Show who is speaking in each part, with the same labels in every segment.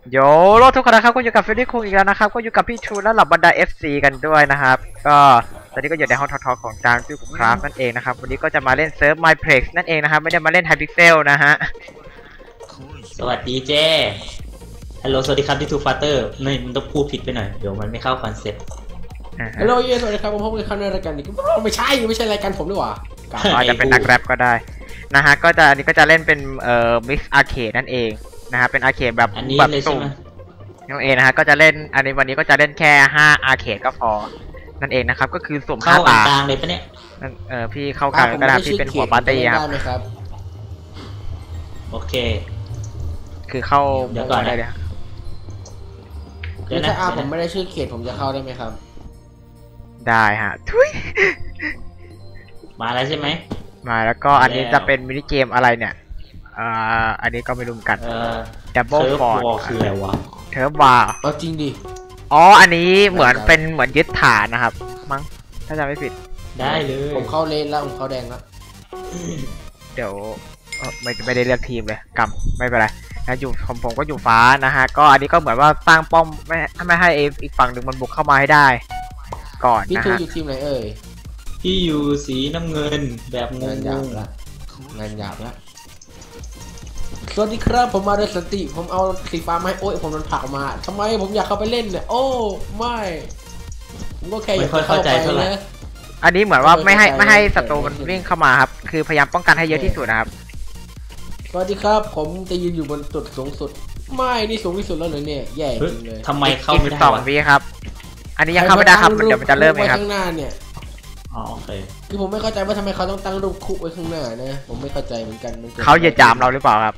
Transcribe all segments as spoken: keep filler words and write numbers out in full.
Speaker 1: โยโลทุกคนนะครับก็อยู่กับฟิลลี่คุงอีกแล้วนะครับก็อยู่กับพี่ชูและเหล่าบรรดา เอฟ ซี กันด้วยนะครับก็ตอนนี้ก็อยู่ในห้องทอๆของจางจูกุคราฟนั่นเองนะครับวันนี้ก็จะมาเล่นเซิร์ฟ Mineplex นั่นเองนะครับไม่ได้มาเล่น Hypixel นะฮะ
Speaker 2: สวัสดีเจ้ฮัลโหลสวัสดีครับที่ทูฟัตเตอร์ไม่มันต้องพูดผิดไปหน่อยเดี๋ยวมันไม่เข้าคอนเซ็ปต์
Speaker 3: ฮัลโหลเย้สวัสดีครับผมพบกันในรายการนี้ไม่ใช่ไม่ใช่รายการผมด้วยว่ะ
Speaker 1: อาจจะเป็นนักแรปก็ได้นะฮะก็จะอันนี้ก็จะเล่นเป็นเอ่อ Mix Arcade นั่นเองนะฮะเป็นอาร์เคดแบบแบบสุ่มนั่นเองนะฮะก็จะเล่นอันนี้วันนี้ก็จะเล่นแค่ห้าอาร์เคดก็พอนั่นเองนะครับก็คือสุ่มห้าตาก
Speaker 2: ลางเลยปะเนี่ย
Speaker 1: เออพี่เข้ากลางก็ได้พี่เป็นหัวปาร์ตี้
Speaker 3: ครับ
Speaker 2: โอเค
Speaker 1: คือเข้าเดี๋ยวก่อนได้เลย
Speaker 3: เดี๋ยวถ้าอาผมไม่ได้ชื่อเขตผมจะเข้าได้ไหมครับ
Speaker 1: ได้ฮะทุย
Speaker 2: มาแล้วใช่ไหม
Speaker 1: มาแล้วก็อันนี้จะเป็นมินิเกมอะไรเนี่ยอ่าอันนี้ก็ไม่รู้กัน
Speaker 2: เออ
Speaker 1: ดับเบิลฟอร์ด
Speaker 2: คืออะไรวะ
Speaker 1: เทิร์ฟวาร์
Speaker 3: เอาจริงดิ
Speaker 1: อ๋ออันนี้เหมือนเป็นเหมือนยึดฐานนะครับมั้งถ้าจำไม่ผิด
Speaker 2: ได้เลย
Speaker 3: ผมเข้าเลนแล้วผมเข้าแดงแล้ว
Speaker 1: เดี๋ยวไม่ไม่ได้เลือกทีมเลยกำไม่เป็นไรนะอยู่ผมผมก็อยู่ฟ้านะฮะก็อันนี้ก็เหมือนว่าสร้างป้อมไม่ไม่ให้อีกฝั่งหนึ่งมันบุกเข้ามาให้ได้ก่อนนะฮะ
Speaker 3: พี่ทูอยู่ทีมไหนเอ่ย
Speaker 2: พี่อยู่สีน้ำเงินแบบงงง
Speaker 3: ละงานหยาบละสวัสดีครับผมมาด้วยสติผมเอาสีฟ้ามาให้โอ้ยผมโดนผลักมาทำไมผมอยากเข้าไปเล่นเนี่ยโอ้ไม่ผมก็แค่อยากเข้าใจนะ
Speaker 1: อันนี้เหมือนว่าไม่ให้ไม่ให้ศัตรูมันวิ่งเข้ามาครับคือพยายามป้องกันให้เยอะที่สุดนะครับ
Speaker 3: สวัสดีครับผมจะยืนอยู่บนจุดสูงสุดไม่นี่สูงที่สุดแล้วเลยเนี่ยแย่จริงเลย
Speaker 2: ทำไมเข้าไม่ได้
Speaker 1: สองวิครับอันนี้ยังเข้าไม่ได้ครับเดี๋ยวมันจะเริ่มเลยครับ
Speaker 3: ข้างหน้าเนี่ย
Speaker 2: อ๋อโอเค
Speaker 3: คือผมไม่เข้าใจว่าทำไมเขาต้องตั้งรูปคุกไว้ข้างหน้านะผมไม่เข้าใจเหมือนกัน
Speaker 1: เขาเหยียดจามเราหรือเปล่าครับ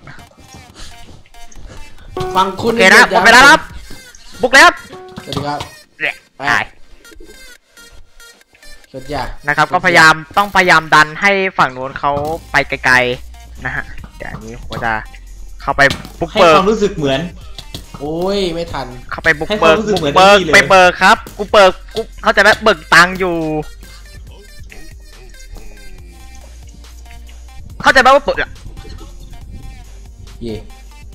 Speaker 3: ฟังคุณ
Speaker 1: โอเคนะผมไปแล้วครับบุกแล้ว
Speaker 3: สวัสดีครับ
Speaker 1: ไป
Speaker 3: สุดยอด
Speaker 1: นะครับก็พยายามต้องพยายามดันให้ฝั่งนู้นเขาไปไกลๆนะฮะเดี๋ยวอันนี้ผมจะเข้าไปบุกเบิ
Speaker 2: กให้ความรู้สึกเหมือน
Speaker 3: โอ้ยไม่ทัน
Speaker 1: เข้าไปบุกเบิกบุกเบิกไปเบิกครับกูเบิกกูเขาจะได้เบิกตังค์อยู่เข้าใจไหมว่าเปิดอ่ะ
Speaker 3: เย่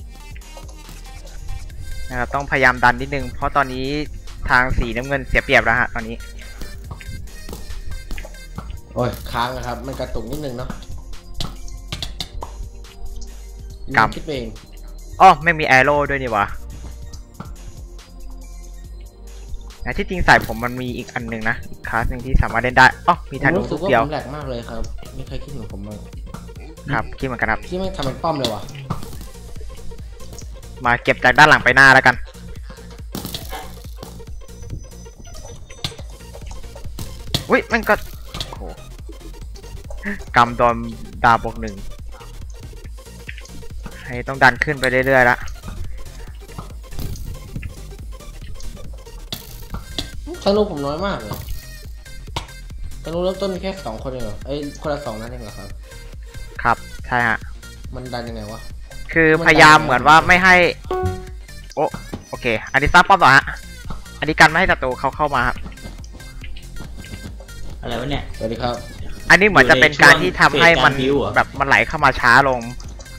Speaker 1: นะครับต้องพยายามดันนิดนึงเพราะตอนนี้ทางสีน้ำเงินเสียเปรียบแล้วฮะตอนนี้
Speaker 3: โอ้ยค้างนะครับมันกระตุกนิดนึงเนาะ
Speaker 1: กำ
Speaker 3: คิดเอง
Speaker 1: อ๋อไม่มีแอโร่ด้วยนี่วะนะที่จริงใส่ผมมันมีอีกอันหนึ่งนะอีกคลาสหนึ่งที่สามารถเล่นได้อ๋อมีธนูลูกเดียว
Speaker 3: แหลกมากเลยครับไม่เคยคิดเหมือนผมเลย
Speaker 1: ครับคิดเหมือนกันครับ
Speaker 3: ที่ไม่ทำเป็นป้อมเลยวะ
Speaker 1: มาเก็บจากด้านหลังไปหน้าแล้วกันอุ้ยมันก็โอ้โหกำโดนดาบวกหนึ่งให้ต้องดันขึ้นไปเรื่อยๆละ
Speaker 3: ธนูผมน้อยมากเลยธนูเริ่มต้นแค่สองคนเองเหรอไอ้คนละสองนั่นเองเหรอครับ
Speaker 1: ครับใช่ฮะ
Speaker 3: มันดันยังไงวะ
Speaker 1: คือพยายามเหมือนว่าไม่ให้โอโอเคอันนี้ซับป้อมต่อฮะอันนี้กันไม่ให้ศัตรูเขาเข้ามาครับ
Speaker 2: อะไรวะเนี่ย
Speaker 3: สวัสดีครับ
Speaker 1: อันนี้เหมือนจะเป็นการที่ทำให้มันแบบมันไหลเข้ามาช้าลง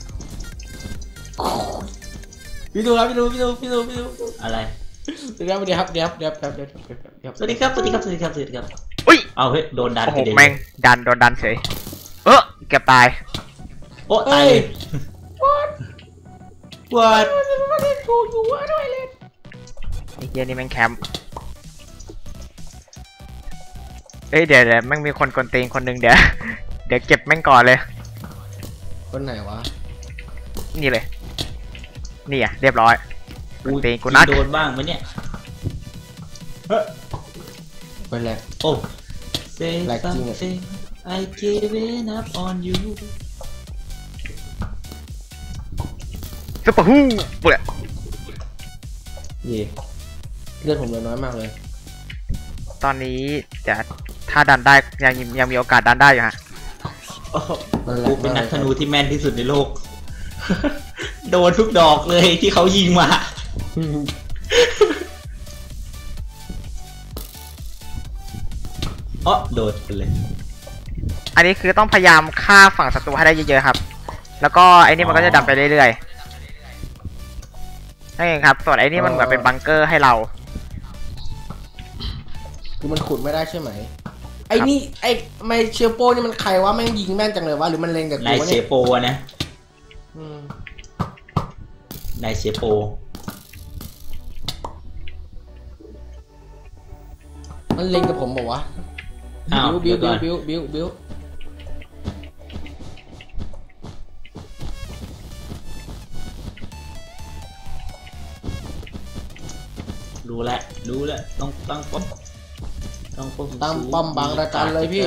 Speaker 3: พี่ดูครับพี่ดูพี่ดูพี่ดูพี่ดู
Speaker 2: อะไร
Speaker 3: สวัสดีครับสวัสดีครับเดี๋ยวเดี๋ยวเดี๋ยวเดี๋ยว
Speaker 2: สวัสดีครับสวัสดีครับสวัสดีครับสวัสดีครับ
Speaker 1: อุ้ย
Speaker 2: เอาเฮ้ยโดนดัน
Speaker 1: โอ้โหแม่งดันโดนดันเฉยเออเกือบตาย
Speaker 2: โอ้ตายเลยวัด
Speaker 3: กูอยู่ว่าด้วยเลย
Speaker 1: ไอ้เหี้ยนี่แม่งแคมป์เอ้ยเดี๋ยวเดี๋ยวแม่งมีคนกวนตีนคนหนึ่งเดี๋ยวเดี๋ยวเก็บแม่งก่อนเลย
Speaker 3: คนไหนวะ
Speaker 1: นี่เลยนี่อ่ะเรียบร้อยกวนตีนกูนัด
Speaker 2: โดนบ้างไหมเนี่ย
Speaker 3: ไปแล้ว
Speaker 2: โอ้แหลกจริงอ่ะ I give it up on you
Speaker 1: ซุปเปอร์ฮู้เปิด
Speaker 3: เย่เลือดผมเหลือน้อยมากเลย
Speaker 1: ตอนนี้จะถ้าดันได้ยังยังมีโอกาสดันได้อยู่ฮะ
Speaker 2: กูเป็นนักธนูที่แม่นที่สุดในโลกโดนทุกดอกเลยที่เขายิงมาอ๋อโดนไปเลย
Speaker 1: อันนี้คือต้องพยายามฆ่าฝั่งศัตรูให้ได้เยอะๆครับแล้วก็ไอ้นี่มันก็จะดันไปเรื่อยๆช่ครับส่วนไอ้นี่มันเหมือนเป็นบังเกอร์ให้เรา
Speaker 3: คือมันขุดไม่ได้ใช่ไหมไอ้นี่ไอ้ไมเชลโปนี่มันใครวะแม่งยิงแม่นจังเลยวะหรือมันเล็งกับ
Speaker 2: นาย
Speaker 3: กูวะ
Speaker 2: เช
Speaker 3: เนี่ย
Speaker 2: โปนะ
Speaker 3: อืม
Speaker 2: นายเชโป
Speaker 3: มันเล็งกับผมบอกวะ
Speaker 2: อ้าว
Speaker 3: บิว
Speaker 2: เดี๋
Speaker 3: บิ
Speaker 2: ยว วก่อน
Speaker 3: บิวบิวบิวบิว
Speaker 2: รู้แล้วรู้แล้วต้องตั้งป้อมต้องป้อม
Speaker 3: ตั้งป้อมบางระจันเลยพี่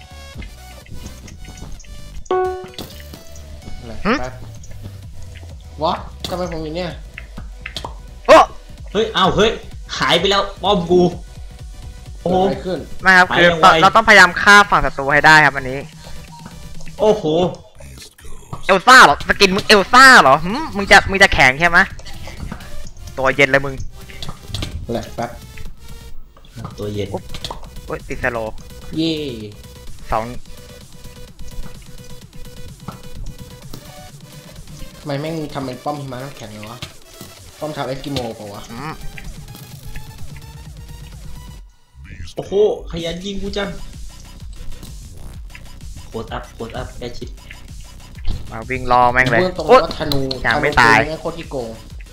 Speaker 3: อะไร
Speaker 1: หึ
Speaker 3: แป๊บวะทำไมผมอยู่เนี่ย
Speaker 1: โอ้
Speaker 2: เฮ้ยอ้าวเฮ้ยหายไปแล้วป้อมกูโอ้
Speaker 3: เกิด
Speaker 2: โห
Speaker 3: อะไรขึ้น
Speaker 1: ไม่ครับคือ
Speaker 2: ไปยังไง
Speaker 1: เราต้องพยายามฆ่าฝั่งศัตรูให้ได้ครับอันนี้
Speaker 2: โอ้โห
Speaker 1: เอลซ่าเหรอสกินมึงเอลซ่าเหรอหึมึงจะมึงจะแข็งใช่ไหมตัวเย็นเลยมึง
Speaker 3: อะไรแป๊บ
Speaker 2: ตัวเย็น
Speaker 1: โอ้ยติดสโลว์
Speaker 3: เย่
Speaker 1: สอง
Speaker 3: ทำไมแม่งทำเป็นป้อมหิมะน้ำแข็งเลยวะป้อมชาวเอสกิโมเปล่าวะ
Speaker 1: อืม
Speaker 2: โอ้โหขยันยิงกูจังโคตรอัพโคตรอัพได้ชิด
Speaker 1: มาวิ่งรอแม่งเลย
Speaker 3: เบื้องตรง
Speaker 1: โอ๊ย
Speaker 3: ว่าธนู
Speaker 1: ยังไม่
Speaker 3: ธนู
Speaker 1: ตาย
Speaker 3: แม่งโคตรที่โกง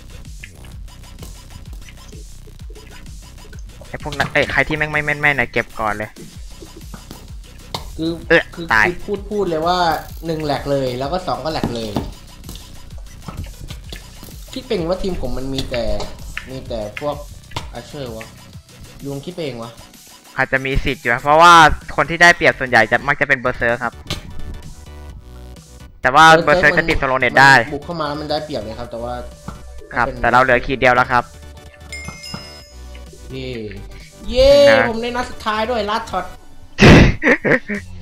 Speaker 1: ไอ้พวกนั้นเอ้ยใครที่แม่งไม่แม่นแม่นๆนะเก็บก่อนเลย
Speaker 3: คือ
Speaker 1: เอ๊ะ
Speaker 3: คือ
Speaker 1: ตาย
Speaker 3: คือพูดพูดเลยว่าหนึ่งแหลกเลยแล้วก็สองก็แหลกเลย คิดเป็นว่าทีมผมมันมีแต่มีแต่พวกอาเชอร์วะลุงคิดเองวะ
Speaker 1: อาจจะมีสิทธิ์อยู่นะเพราะว่าคนที่ได้เปรียบส่วนใหญ่จะมักจะเป็นเบอร์เซอร์ครับ แต่ว่าเบอร์เซอร์จะติดโซโลเน็ตได้
Speaker 3: มันบุกเข้ามาแล้วมันได้เปรียบเลยครับ แต่ว่า
Speaker 1: ครับ
Speaker 3: ป็น
Speaker 1: แต่เราเหลือขีดเดียวแล้วครับ
Speaker 3: เย่เย่
Speaker 1: นะ
Speaker 3: ผมในนัดสุดท้ายด้วยลัดช็อตเฮ้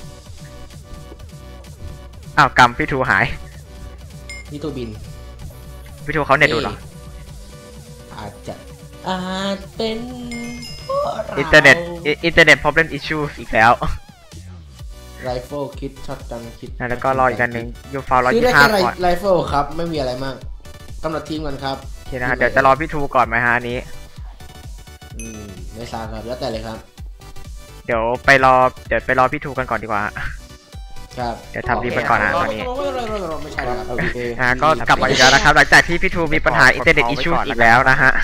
Speaker 1: อ้าวกำพี่ทูหาย
Speaker 3: นี่ตัวบิน
Speaker 1: พี่ทูเขาเน็ตดูเหรอ
Speaker 3: อาจจะอาจเป็นพวกรา
Speaker 1: อินเทอร์เน็ตอินเทอร์เน็ต problem issue อีกแล้ว
Speaker 3: ไรเฟิลคิดช็อตกันคิด
Speaker 1: แล้วก็รออีกอันหนึ่งยูฟาวร้อย
Speaker 3: ซื้อ
Speaker 1: ยี่
Speaker 3: ได้
Speaker 1: ห้า
Speaker 3: แค่
Speaker 1: ก่อน
Speaker 3: ไรเฟิลครับไม่มีอะไรมากกำหนดทีมกันครับ
Speaker 1: โอเคนะฮะเดี๋ยวจะรอพี่ทูก่อนไหมฮะอันนี้
Speaker 3: อืมไม่ทราบครับแล้วแต่เลยครับ
Speaker 1: เดี๋ยวไปรอเดี๋ยวไปรอพี่ทูกันก่อนดีกว่า
Speaker 3: ครับ
Speaker 1: เดี๋ยวทำดีไปก่อนนะตอนนี้
Speaker 3: ไม่ใช่ครับโอเค
Speaker 1: อ่าก็กลับมาอีกแล้วนะครับ หลังจากที่พี่ทูมีปัญหาอินเทอร์เน็ตอิชชูอีกแล้วนะฮะ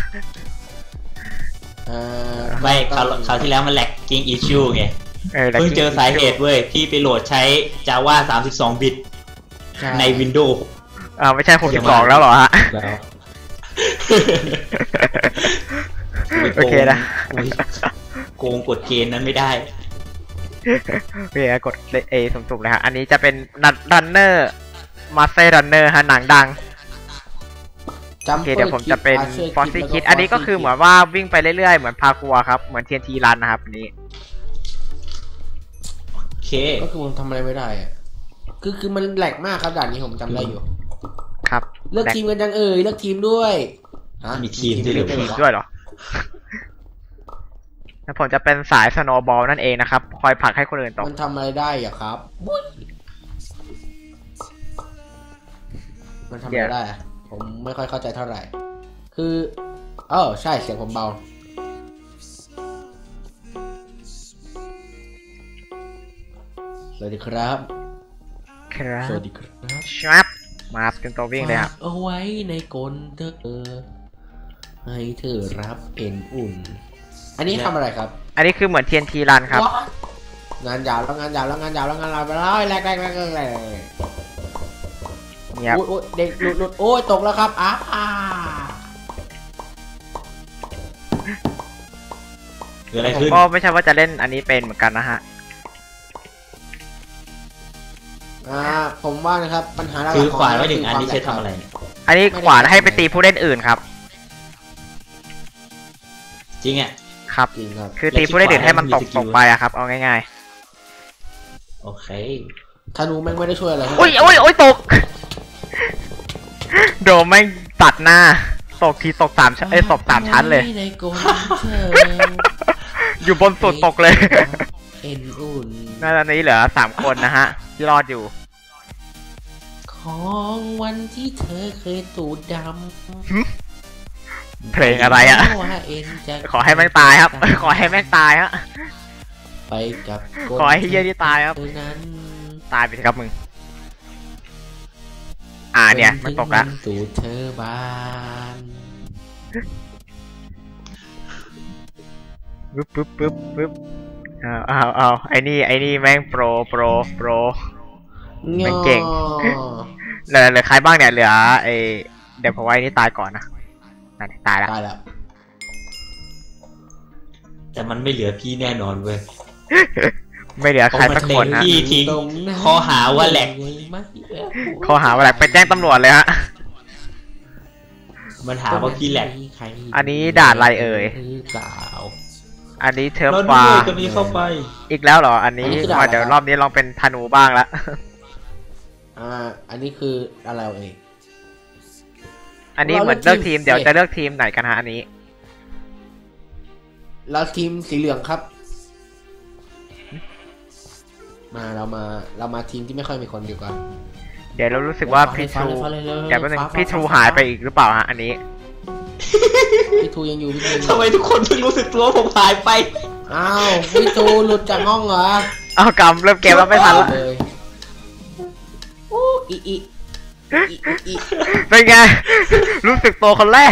Speaker 3: อ่า
Speaker 2: ไม่คราวคราวที่แล้วมันแหลกกิ้งอิชชูไง
Speaker 1: เออแล้ว
Speaker 2: เพิ่งเจอสาเหตุเว้ยพี่ไปโหลดใช้ Java สามสิบสอง บิต
Speaker 3: ใช่
Speaker 2: ใน Windows
Speaker 1: อ่าไม่ใช่หกสิบสองแล้วเหรอฮะ
Speaker 2: แล้ว
Speaker 1: โอเคนะ
Speaker 2: โกงกดเกณฑ์นั้นไม่ได้
Speaker 1: โอเคกดเอสุ่มๆเลยฮะอันนี้จะเป็นรันเนอร์มาสเตอร์รันเนอร์ฮะหนังดัง
Speaker 3: จั
Speaker 1: โอเคเดี๋ยวผมจะเป็นฟอสซี่คิดอันนี้ก็คือเหมือนว่าวิ่งไปเรื่อยๆเหมือนพาคัวครับเหมือนเทียนทีรันนะครับอันนี้
Speaker 2: โอเค
Speaker 3: ก็คือผมทำอะไรไม่ได้อะคือคือมันแหลกมากครับด่านนี้ผมจำได้อยู่
Speaker 1: ครับ
Speaker 3: เลือกทีมกันยังเอ่ยเลือกทีมด้วยฮะ
Speaker 2: มีทีมด้วยเหรอ
Speaker 3: ด้วยเหรอ
Speaker 1: ด้วยเหรอ แล้วผมจะเป็นสายสโนว์บอลนั่นเองนะครับคอยผลักให้คนอื่นตก
Speaker 3: มันทำอะไรได้อะครับบุ๊ยมันทำอะไรได้อะผมไม่ค่อยเข้าใจเท่าไหร่ คือเออใช่เสียงผมเบาสวัสดีครับ
Speaker 1: ครับ
Speaker 3: สวัสดีครับ
Speaker 1: ชับมาเต็มตัววิ่งเลยครับ
Speaker 3: ฝากเอาไว้ในกลเธอเออให้เธอรับเป็นอุ่น อันนี้ทำอะไรครับ
Speaker 1: อันนี้คือเหมือนเทียนทีรันครับ
Speaker 3: ว้าวงานยาวแล้วงานยาวแล้วงานยาวแล้วงานยาวไปแล้วแรกแรกแรกแรกแรก
Speaker 1: เนี่ย
Speaker 3: โอ้ยเด็กหลุดหลุดโอ้ยตกแล้วครับอ้าอ่า
Speaker 2: เกิดอะไร
Speaker 1: ผม
Speaker 2: ขึ้น
Speaker 1: ก็ไม่ใช่ว่าจะเล่นอันนี้เป็นเหมือนกันนะฮะ
Speaker 3: อ่าผมว่านะครับปัญหาหลักๆ
Speaker 2: คือขวาน
Speaker 3: ขง
Speaker 2: ไว้
Speaker 3: เร
Speaker 2: หนึ่งอัน
Speaker 3: คื
Speaker 2: นี้ใช้ทำอะไร
Speaker 1: อันนี้ขวานให้ไปตีผู้เล่นอื่นครับ
Speaker 2: จริงอ่ะ
Speaker 1: ครับ
Speaker 3: จริงครับ
Speaker 1: คือตีผู้เล่นอื่นให้มันตกตกไปอะครับเอาง่าย
Speaker 2: โอเค
Speaker 3: ธนูแม่งไม่ได้ช่วยอะไร
Speaker 1: ๆอุ้ยอุ้ยอุ้ยตก โดมแม่งตัดหน้าตกทีตกสามชั้นเอ้ยตกสามชั้นเลย
Speaker 3: ในกลเธอ
Speaker 1: อยู่บนสุดตกเลย
Speaker 3: เอ็นอุ่น
Speaker 1: น่าจะนี้เหลือสามคนนะฮะ ที่รอดอยู่
Speaker 3: ของวันที่เธอเคยตูดด
Speaker 1: หึ
Speaker 3: ำ
Speaker 1: เพลงอะไรอะขอให้แม่งตายครับ ขอให้แม่งตายฮะ
Speaker 3: ไปกับ
Speaker 1: ขอให้เฮียที่ตายครับ
Speaker 3: นั้น
Speaker 1: ตายไปสิครับมึง อ่าเนี่ยมันตกละ
Speaker 3: สู่เธอบาน
Speaker 1: ปึ๊บปึ๊บปึ๊บปึ๊บเอาเอาเอาไอ้นี่ไอ้นี่แม่งโปรโปรโปร มันเก่ง เหลือเหลือใครบ้างเนี่ยเหลือไอเดี๋ยวผมไว้นี่ตายก่อนนะนั่นตายละ
Speaker 3: ตายแล้ว
Speaker 2: แต่มันไม่เหลือพี่แน่นอนเว้ย
Speaker 1: ไม่เหลือใครสักคนนะ
Speaker 2: พี่ทิ้งข้อหาว่าแหลก
Speaker 1: ข้อหาว่าแหลกไปแจ้งตำรวจเลยฮะ
Speaker 2: มันหาว่าพี่แหลก
Speaker 1: อันนี้ด่านอะไรเอ่ย
Speaker 3: เปล่า
Speaker 1: อันนี้เทอร์
Speaker 2: เรา
Speaker 1: ฟา
Speaker 2: ด้วยก็มีเข้าไป
Speaker 1: อีกแล้วเหรออันนี้
Speaker 3: อันนี้คือด่าน
Speaker 1: มาเดี๋ยว
Speaker 3: อะไร
Speaker 1: รอบนี้ลองเป็นธนูบ้างละ
Speaker 3: อ่าอันนี้คืออะไรเอ่ย
Speaker 1: อันนี้เหมือนเลือกทีมเดี๋ยวจะเลือกทีมไหนกันฮะอันนี้
Speaker 3: เราทีมสีเหลืองครับ มาเรามาเรามาทีมที่ไม่ค่อยมีคนดีกว่า
Speaker 1: เดี๋ยวเรารู้สึกว่าพี่ทรู
Speaker 3: ฟ้าเลยฟ้าเลย
Speaker 1: เดี๋ยวแป๊บนึง
Speaker 3: ฟ้าฟ้า
Speaker 1: พี่ทรู
Speaker 3: ฟ้า
Speaker 1: หายไปอีกหรือเปล่าฮะอันนี้
Speaker 3: พี่ทูยังอยู่พี่ทูยังอ
Speaker 2: ทำไม
Speaker 3: ยู่
Speaker 2: ทุกคนเพิ่งรู้สึกตัวผมหายไป
Speaker 3: อ้าวพี่ทูหลุดจากห้องเหรอ
Speaker 1: เอากำเริ่มเกมแล้วไม่ทันละ
Speaker 3: เลยโอ้อีอีอีอีอี
Speaker 1: เป็นไง รู้สึกตัวคนแรก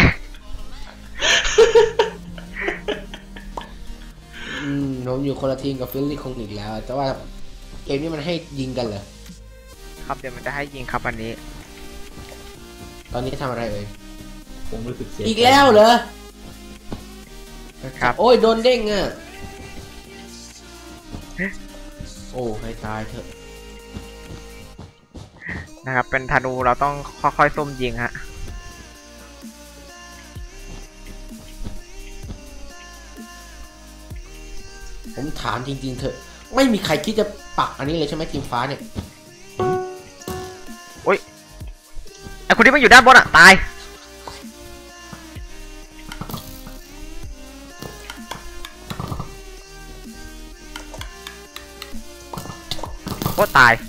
Speaker 3: อืมผมอยู่คนละทีมกับฟิลลี่คงอีกแล้ว แต่ว่าเกมนี้มันให้ยิงกันเหรอ
Speaker 1: ครับเดี๋ยวมันจะให้ยิงครับอันนี้
Speaker 3: ตอนนี้ทำอะไรเอ่ย
Speaker 2: ผมรู้สึกเสีย
Speaker 3: อีกแล้วเหรอ
Speaker 1: ครับ
Speaker 3: โอ้ยโดนเด้งอ่ะโอ้ให้ตายเถอะ
Speaker 1: นะครับเป็นธนูเราต้องค่อยๆซุ่มยิงฮะ
Speaker 3: ผมถามจริงๆเถอะไม่มีใครคิดจะปักอันนี้เลยใช่ไหมทีมฟ้าเนี่ย
Speaker 1: ไอคนที่มันอยู่ด้านบนอ่ะตายโคตรตาย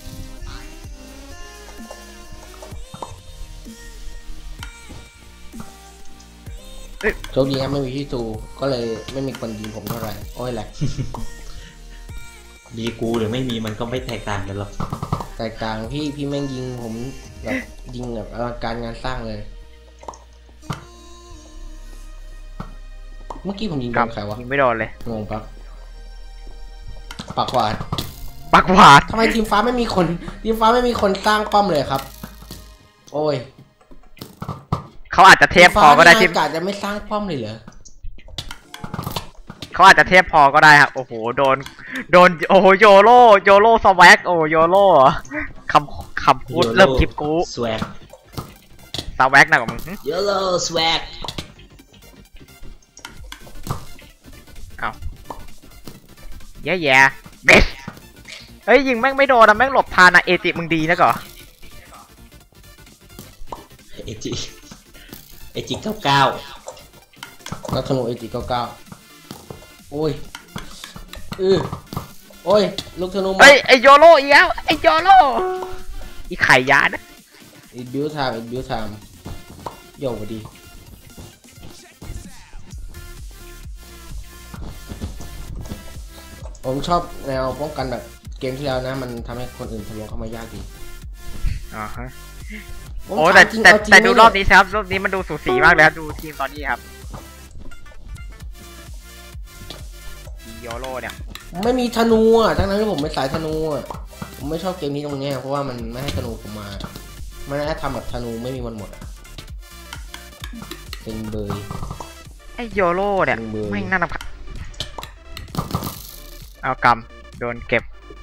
Speaker 3: โชคดีครับไม่มีที่ตูก็เลยไม่มีคนยิงผมเท่าไหร่โอ้ยแหละ
Speaker 2: มีกูหรือไม่มีมันก็ไม่แตกต่างกันหรอก
Speaker 3: แตกต่างพี่พี่แม่งยิงผมแบบยิงแบบอลังการงานสร้างเลย เมื่อกี้ผมยิงโด
Speaker 1: ครับ
Speaker 3: นใครวะ
Speaker 1: ยิงไม่โดนเลย
Speaker 3: งงปะปากหวาด
Speaker 1: ปักหวาด
Speaker 3: ทำไมทีมฟ้าไม่มีคนทีมฟ้าไม่มีคนสร้างป้อมเลยครับ โอ้ย
Speaker 1: เขาอาจจะเทพพอก็ได้
Speaker 3: ที
Speaker 1: ที
Speaker 3: ม
Speaker 1: ม
Speaker 3: ฟ้านี่อากาศจะไม่สร้างป้อมเลยเหรอ
Speaker 1: เขาอาจจะเทพพอก็ได้ครับโอ้โหโดนโดนโอ้โหโยโรโยโรสวักโอ้โยโรคำคำพูดเริ่มคลิปกู
Speaker 2: สวัก
Speaker 1: สวักหนักกว่ามึงหึ
Speaker 2: โยโลสวัก
Speaker 1: แย่แย่เบสเฮ้ยยิงแม่งไม่โดนนะแม่งหลบทานนะเอจิมึงดีนะก่อ
Speaker 2: เอจิเอจิเก้าเก้า
Speaker 3: นักธนูเอจิเก้าเก้าโอ้ยเออโอ้ยลูกธนูหมด
Speaker 1: เฮ้ยไอโยโรอีกแล้วไอโยโรอีไข่ยานะ
Speaker 3: อีบิวไทม์อีบิวไทม์โย่พอดีผมชอบแนวป้องกันแบบเกมที่แล้วนะ มันทำให้คนอื่นทะลวงเข้ามายากดี
Speaker 1: อ๋อฮะ
Speaker 3: ผม
Speaker 1: โอ้แต่
Speaker 3: ถามจริง
Speaker 1: แต่
Speaker 3: เอาจริง
Speaker 1: แต่ดู
Speaker 3: ไหม
Speaker 1: รอบ
Speaker 3: เนี่ย
Speaker 1: นี้ครับรอบนี้มันดูสูสีมากเลยครับดูทีมตอนนี้ครับโยโรเนี่ย
Speaker 3: ไม่มีธนูอ่ะทั้งนั้นที่ผมเป็นสายธนูอ่ะผมไม่ชอบเกมนี้ตรงเนี้ยเพราะว่ามันไม่ให้ธนูผมมามันให้ทำแบบธนูไม่มีวันหมดอ่ะเป็นเบย
Speaker 1: ไอโยโรเนี่ย
Speaker 3: จริงเบอร์
Speaker 1: ไม่งน่ารำคาญเอากำโดนเก็บ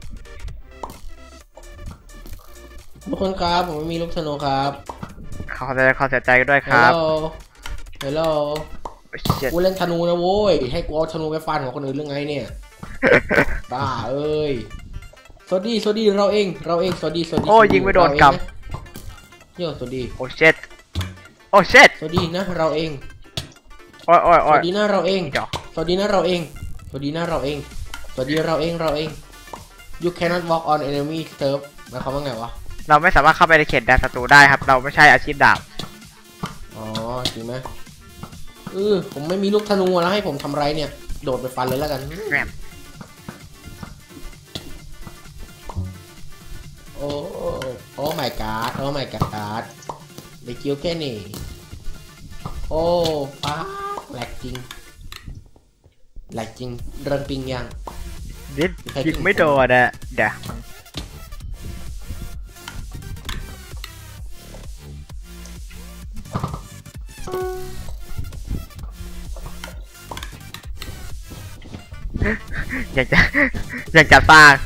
Speaker 3: ทุกคนครับผมไม่มีลูกธนูครับ
Speaker 1: ขอแสดงความเสียใจด้วยค
Speaker 3: ฮัล
Speaker 1: รับ
Speaker 3: โหลฮัลโหล
Speaker 1: เจ็ด
Speaker 3: กูเล่นธนูนะโว้ยให้กูเอาธนูไปฟันของคนอื่นเรื่องไงเนี่ยบ้าเอ้ยสวัสดีสวัสดีเราเองเราเองสวัสดีสวัสดี
Speaker 1: โอ้ยิงไม่โดนก
Speaker 3: เราเองนะโย่สวัสดี
Speaker 1: ำโอ้เช็ดโอ้เช็ด
Speaker 3: สวัสดีนะเราเอง
Speaker 1: โอ้ยโอ้ย
Speaker 3: ส
Speaker 1: โอ้ย
Speaker 3: วัสดีนะเราเอง
Speaker 1: เดี๋ยว
Speaker 3: สวัสดีนะเราเอง สวัสดีนะเราเอง สวัสดีเราเองเราเอง you cannot walk on enemy turf หมายความว่าไงวะ
Speaker 1: เราไม่สามารถเข้าไปในเขตแดนศัตรูได้ครับ เราไม่ใช่อาชีพดาบ
Speaker 3: อ๋อจริงไหมเออผมไม่มีลูกธนูแล้วให้ผมทำไรเนี่ยโดดไปฟันเลยแล้วกันโอ้โอ้ my god โอ้ my god เด็กเกี้ยวแค่นี้โอ้ป้าแหลกจริงแหลกจริงเริงปิงยัง
Speaker 1: นิดยิงไม่โดนอะเดี๋ยวอยากจะอยากจะสร้าง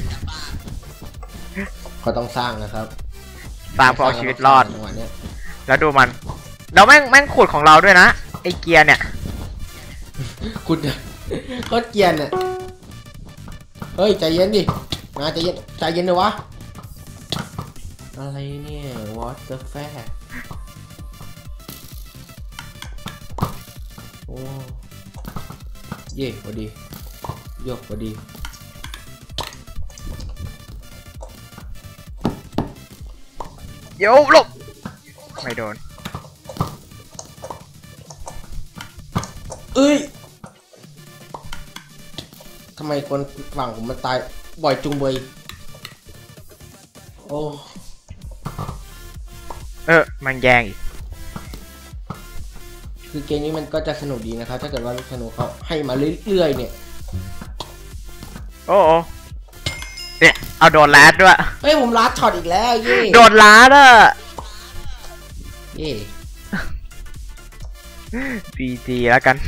Speaker 3: ก็ต้องสร้างนะครับ
Speaker 1: สร้างเพื่อเอาชีวิตรอดแล้วดูมันเราแม่งแม่งขุดของเราด้วยนะไอเกียร์เนี่ย
Speaker 3: ขุดก็เกียร์เนี่ยเฮ้ยใจเย็นดิมาใจเย็นใจเย็นเลยวะอะไรเนี่ย what the fuck โอ้เย่พอดียกพอดี
Speaker 1: โยลบไม่โดน
Speaker 3: เอ้ยทำไมคนฝั่งผมมันตายบ่อยจุงเบยโอ้
Speaker 1: เออมันแย่งอีก
Speaker 3: คือเกมนี้มันก็จะสนุกดีนะครับถ้าเกิดว่าลูกธนูเขาให้มาเรื่อยๆเนี่ย
Speaker 1: โอ้โหเนี่ยเอาโดนลัดด้วย
Speaker 3: เฮ้ยผมลัดช็อตอีกแล้วเย่
Speaker 1: โดนลัดอ่ะ
Speaker 3: เย่
Speaker 1: พีจีแล้วกัน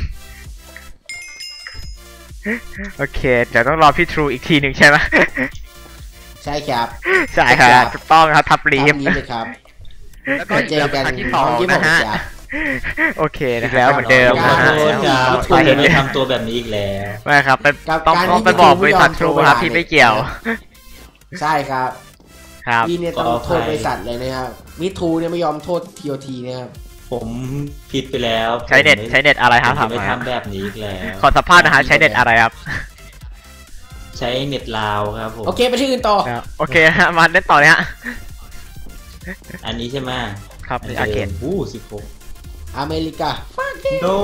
Speaker 1: โอเคเดี๋ยวต้องรอพี่ทรูอีกทีหนึ่งใช่ไหม
Speaker 3: ใช่ครับ
Speaker 1: ใช่ครับถูกต้องครับทับลีฟ
Speaker 3: เลยครับ
Speaker 1: แล้วก็เจอกันที่สองนะฮะโอเคนะครับเหมือนเดิมนะฮะ
Speaker 2: ไปเห็นไม่ทำตัวแบบนี้อีกแล้ว
Speaker 1: ไม่ครับต้องต้องไปบอกบริษัททรูครับที่ไม่เกี่ยว
Speaker 3: ใช่ครับ
Speaker 1: ครับ
Speaker 3: พี่เนี่ยต้องโทษบริษัทเลยนะครับมิทรูเนี่ยไม่ยอมโทษทีโอทีนะครับ
Speaker 2: ผมผิดไปแล้ว
Speaker 1: ใช้เน็ตใช้เน็ตอะไรครับ
Speaker 2: ทำไม่ทำแบบนี้อีกแล้ว
Speaker 1: ขอสัมภาษณ์นะฮะใช้เน็ตอะไรครับ
Speaker 2: ใช้เน็ตลาวครับผม
Speaker 3: โอเคไปที่อื่นต่อ
Speaker 1: โอเคฮะมาเล่นต่อเนี่ย
Speaker 2: อันนี้ใช่ไหม
Speaker 1: ครับอาเกน
Speaker 2: อู้สิบหก
Speaker 3: อเมริกา
Speaker 2: โน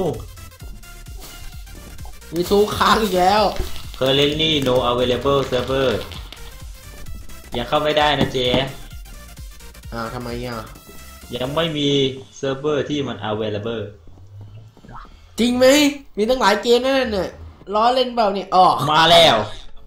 Speaker 3: มีซูค้างอีกแล้ว
Speaker 2: currently no available server ยังเข้าไม่ได้นะเจ๊
Speaker 3: อ้าวทำไมอ่ะ
Speaker 2: ยังไม่มีเซิร์ฟเวอร์ที่มัน available
Speaker 3: จริงไหมมีตั้งหลายเกมนั่นน่ะล้อเล่นเปล่าเนี่ยอ๋อ
Speaker 2: มาแล้ว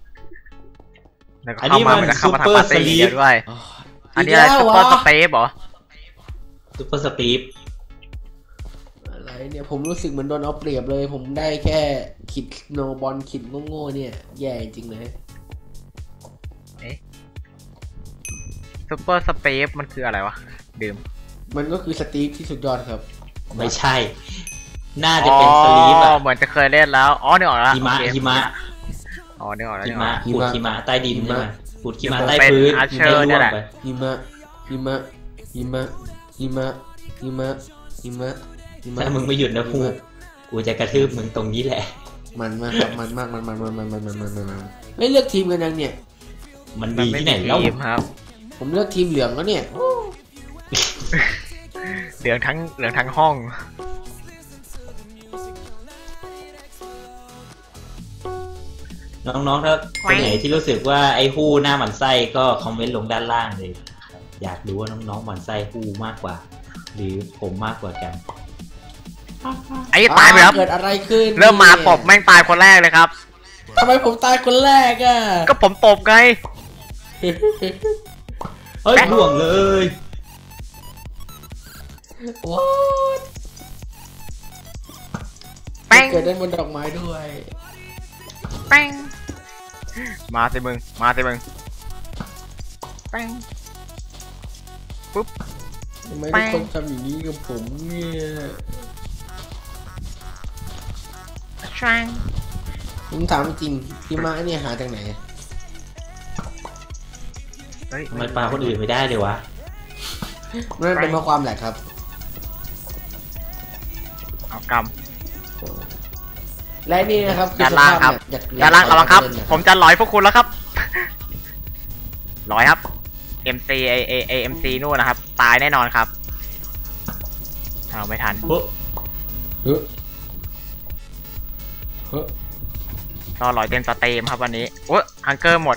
Speaker 1: อันนี้มันซูเปอร์สลีปด้วยอันนี้ซูเปอร์สเปซเหรอ
Speaker 2: ซูเปอร์สปีป
Speaker 3: อะไรเนี่ยผมรู้สึกเหมือนโดนเอาเปรียบเลยผมได้แค่ขิดโนบอลขิดโง่ๆเนี่ยแย่จริงเลย
Speaker 1: เอ๊ะซูเปอร์สเปซมันคืออะไรวะดื่ม
Speaker 3: มันก็คือสตีฟที่สุดยอดครับ
Speaker 2: ไม่ใช่น่าจะเป็นสลีปอ่ะ
Speaker 1: เหมือนจะเคยเล่นแล้วอ๋อเนี่ยออกแล้ว
Speaker 2: หิมะหิมะ
Speaker 1: อ๋อเนี่ยออกแล้ว
Speaker 2: หิมะขุดหิมะใต้ดินใช่ไหมขุดหิมะใต้พื้น
Speaker 1: หิมะเนี่ยแหละ
Speaker 3: หิมะหิมะหิมะหิมะหิมะหิมะหิมะ
Speaker 2: ถ้ามึงไม่หยุดนะพูกูจะกระทืบมึงตรงนี้แหละ
Speaker 3: มันมากครับมันมากมันมันมันมันมันมันมันมันไม่เลือกทีมกันยังเนี่ย
Speaker 2: มันมีที่ไหนแล้ว
Speaker 1: ครับ
Speaker 3: ผมเลือกทีมเหลืองแล้วเนี่ย
Speaker 1: เหลืองทั้งเหลืองทั้งห้อง
Speaker 2: น้องๆถ้าคนไหนที่รู้สึกว่าไอ้ฮู้หน้าหมันไส้ก็คอมเมนต์ลงด้านล่างเลยอยากรู้ว่าน้องๆหมันไส้ฮู้มากกว่าหรือผมมากกว่ากัน
Speaker 1: ไอ้ตายไปครับ
Speaker 3: เกิดอะไรขึ้น
Speaker 1: เริ่มมาตบแม่งตายคนแรกเลยครับ
Speaker 3: ทำไมผมตายคนแรกอ่ะ
Speaker 1: ก็ผมตบไง
Speaker 2: เฮ้ยห่วงเลย
Speaker 3: ว้าว
Speaker 1: แป้ง
Speaker 3: เกิดได้บนดอกไม้ด้วย
Speaker 1: แป้งมาสิมึงมาสิมึงแป้งปุ๊บ
Speaker 3: ทำไมทุกคนทำอย่างนี้กับผมเนี่ย
Speaker 1: ช่าง
Speaker 3: ผมถามจริงพี่ม้าเนี่ยหาจากไหน
Speaker 2: ทำไมปลาคนอื่นไม่ได้เลยวะ
Speaker 3: นั่นเป็นเพราะความแหลกครับ
Speaker 1: เอากำ
Speaker 3: และนี่นะครับ
Speaker 1: ด้านล่างครับด้านล่างระวังครับผมจะลอยพวกคุณแล้วครับลอยครับ เอ็ม ซี เอ เอ เอ็ม ซี นู่นนะครับตายแน่นอนครับเอาไม่ทัน
Speaker 3: เฮ้ยเฮ้ย
Speaker 1: รอหลอยเต็มสเตรีมครับวันนี้โอ้ฮังเกอร์หมด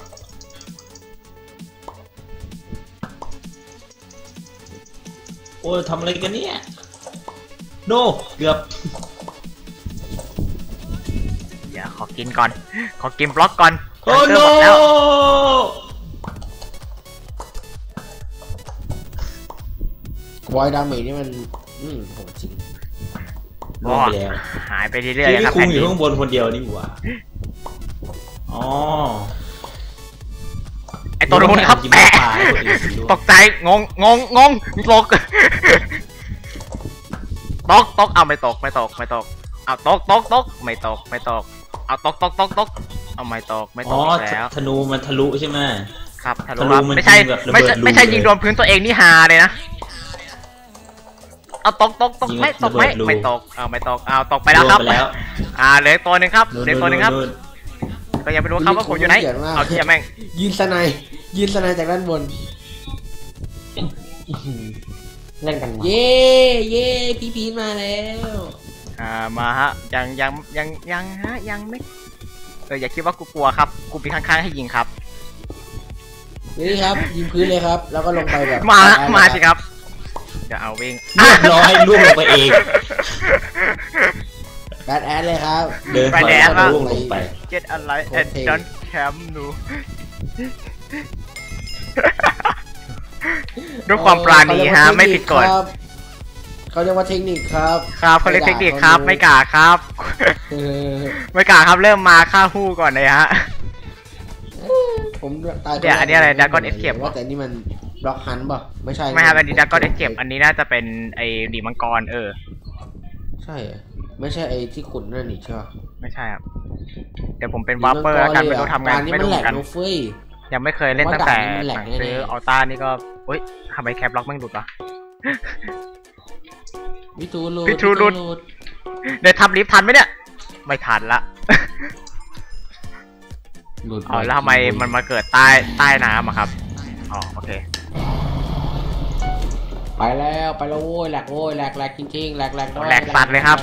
Speaker 2: โอ้ยทำอะไรกันเนี่ยโนเกือบ
Speaker 1: อย่าขอกินก่อนขอกินบล็อกก่อน
Speaker 2: โอ้โน
Speaker 3: วอยดาเมจนี่มันอืมโหจริง
Speaker 2: ลงไปแล้ว
Speaker 1: หายไปเรื่อยๆครับ
Speaker 2: ที่คุมอยู่ข้างบนคนเดียวนี่หว่าอ๋อ
Speaker 1: ไอตัวนู้นครับแปะตกใจงงงงงงตกตกตกเอาไม่ตกไม่ตกไม่ตกเอาตกตกตกไม่ตกไม่ตกเอาตกตกตกตกเอาไม่ตกไม่ตกแล้ว
Speaker 2: ธนูมันทะลุใช่ไหม
Speaker 1: ครับทะลุไม่ใช่ไม่ใช่ไม่ใช่ยิงโดนพื้นตัวเองนี่ฮาเลยนะเอาตกตกตกไม่ตกไม่ไม่ตกเอาไม่ตกเอาตกไปแล้วครับอ่าเหลือตัวหนึ่งครับเหลือตัวหนึ่งครับก็ยังไม่รู้ครับว่าผมอยู่ไหนเอาเทียแม่ง
Speaker 3: ยืนสไนยืนสไนจากด้านบนเล่นกันเย่เย่พีพีมาแล้ว
Speaker 1: อ่ามาฮะยังยังยังยังฮะยังไม่เอออย่าคิดว่ากูกลัวครับกูปีข้างๆให้ยิงครับ
Speaker 3: นี่ครับยิงพื้นเลยครับแล้วก็ลงไปแบบ
Speaker 1: มามาสิครับจะเอาวิ่ง
Speaker 2: เรียบร้อยล่วงลงไปเอง
Speaker 3: แบดแอดเลยครับ
Speaker 2: เดินไปแอดล่วงลงไป
Speaker 1: เก็ตอะไรแอดดอนแคมป์หนูด้วยความปราณีฮะไม่ผิดกฎ
Speaker 3: เขาเรียกว่าเทคนิคครับ
Speaker 1: ครับเขาเรียกเทคนิคครับไม่กล้าครับไม่กล้าครับเริ่มมาฆ่าฮู้ก่อนเลยฮะ
Speaker 3: ผมตาย
Speaker 1: เดี๋ยวอันนี้อะไรดากอนเอสเคป
Speaker 3: ว่าแต่นี่มันบล็อกฮันป่ะไม่ใช่
Speaker 1: ไม่ครับอันนี้ดากอนเอสเคปอันนี้น่าจะเป็นไอ้ดีมังกรเออ
Speaker 3: ใช่ไม่ใช่ไอ้ที่ขุดนั่นนี่ใช่ป่ะ
Speaker 1: ไม่ใช่ครับเดี๋ยวผมเป็นวาร์ปเปอร์แล้วกันไม่รู้ทำไงไม่รู้กันยังไม่เคยเล่นตั้งแต่หลังซื้ออัลต้านี่ก็เฮ้ยทำไมแคปล็อกไม่หลุดวะ
Speaker 3: พิทูรูด
Speaker 1: พิทูรูดเดี๋ยวทำลิฟทันไหมเนี่ยไม่ทันละอ๋อแล้วทำไมมันมาเกิดใต้ใต้น้ำอะครับอ๋อโอเค
Speaker 3: ไปแล้วไปแล้วโว้ยแหลกโว้ยแหลกแหลกจริงๆแหลกแหลก
Speaker 1: แหลกสัตว์เลยครับ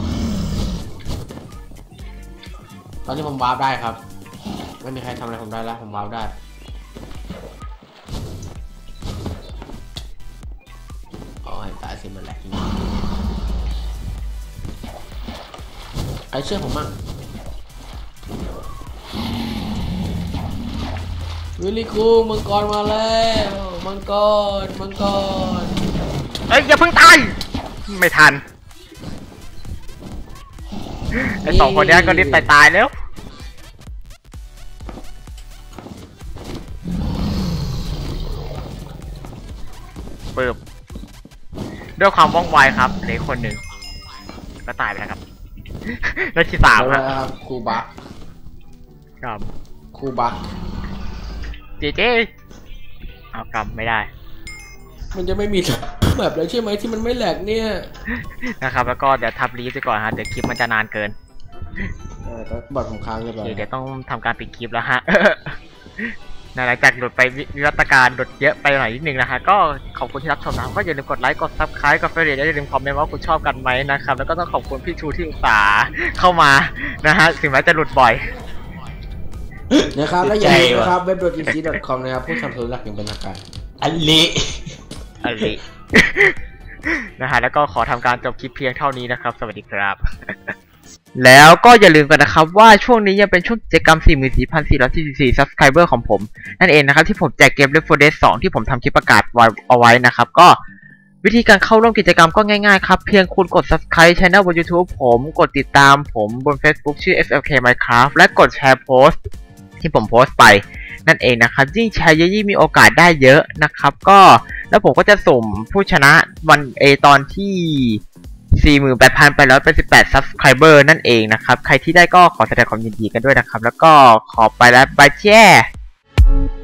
Speaker 3: ตอนนี้ผมวาร์ปได้ครับไม่มีใครทำอะไรผมได้แล้วผมวาร์ปได้อ๋อตายสิมันแหลกจริงใครเชื่อผมมั่งวิลลี่คูมังกรมาแล้วมังกรมังกร
Speaker 1: เอ้ยอย่าเพิ่งตายไม่ทันไอสองคนนี้ก็รีบตายตายแล้วปึ๊บด้วยความว่องไวครับเหลือคนหนึ่งก็ตายไปแล้วครับแล้วที่สาม
Speaker 3: ครับครูบัก
Speaker 1: ครับ
Speaker 3: ครูบัก
Speaker 1: เจเจเอากำไม่ได้
Speaker 3: มันจะไม่มีแบบเลยใช่ไหมที่มันไม่แหลกเนี่ย
Speaker 1: นะครับแล้วก็เดี๋ยวทับรีฟไปก่อนฮะเดี๋ยวคลิปมันจะนานเกิน
Speaker 3: เออก็บอดของค้างเลย
Speaker 1: เดี๋ยวต้องทำการปิดคลิปแล้วฮะหลังจากหลุดไปวิวัฒนาการหลุดเยอะไปหน่อยนิดนึงนะฮะก็ขอบคุณที่รับชมนะก็อย่าลืมกดไลค์กดซับสไครต์กดเฟรนด์อย่าลืมคอมเมนต์ว่าคุณชอบกันไหมนะครับแล้วก็ต้องขอบคุณพี่ชูที่อุตส่าห์เข้ามานะฮะถึงแม้จะหลุดบ่อย
Speaker 3: นะครับและอย่าลืมนะครับเว็บ ดอท อี ซี ดอท คอม นะครับผู้สนับสนุนหลักอย่างเป็นทางการ
Speaker 2: อันนี้
Speaker 1: อันนี้นะฮะแล้วก็ขอทำการจบคลิปเพียงเท่านี้นะครับสวัสดีครับแล้วก็อย่าลืมกันนะครับว่าช่วงนี้ยังเป็นช่วงกิจกรรม สี่หมื่นสี่พันสี่ร้อยสี่สิบสี่ Subscriber ของผมนั่นเองนะครับที่ผมแจกเกม Left โฟร์ Dead สองที่ผมทำคลิปประกาศไว้เอาไว้นะครับก็วิธีการเข้าร่วมกิจกรรมก็ง่ายๆครับเพียงคุณกด Subscribe Channel บน YouTube ผมกดติดตามผมบน Facebook ชื่อ เอฟ แอล เค Minecraft และกดแชร์โพสต์ที่ผมโพสต์ไปนั่นเองนะครับยิ่งแชร์เยอะยิ่งมีโอกาสได้เยอะนะครับก็แล้วผมก็จะสุ่มผู้ชนะวันเอตอนที่ สี่หมื่นแปดพันแปดร้อยแปดสิบแปด Subscriber นั่นเองนะครับใครที่ได้ก็ขอแสดงความยินดีกันด้วยนะครับแล้วก็ขอไปแล้วบายแจ้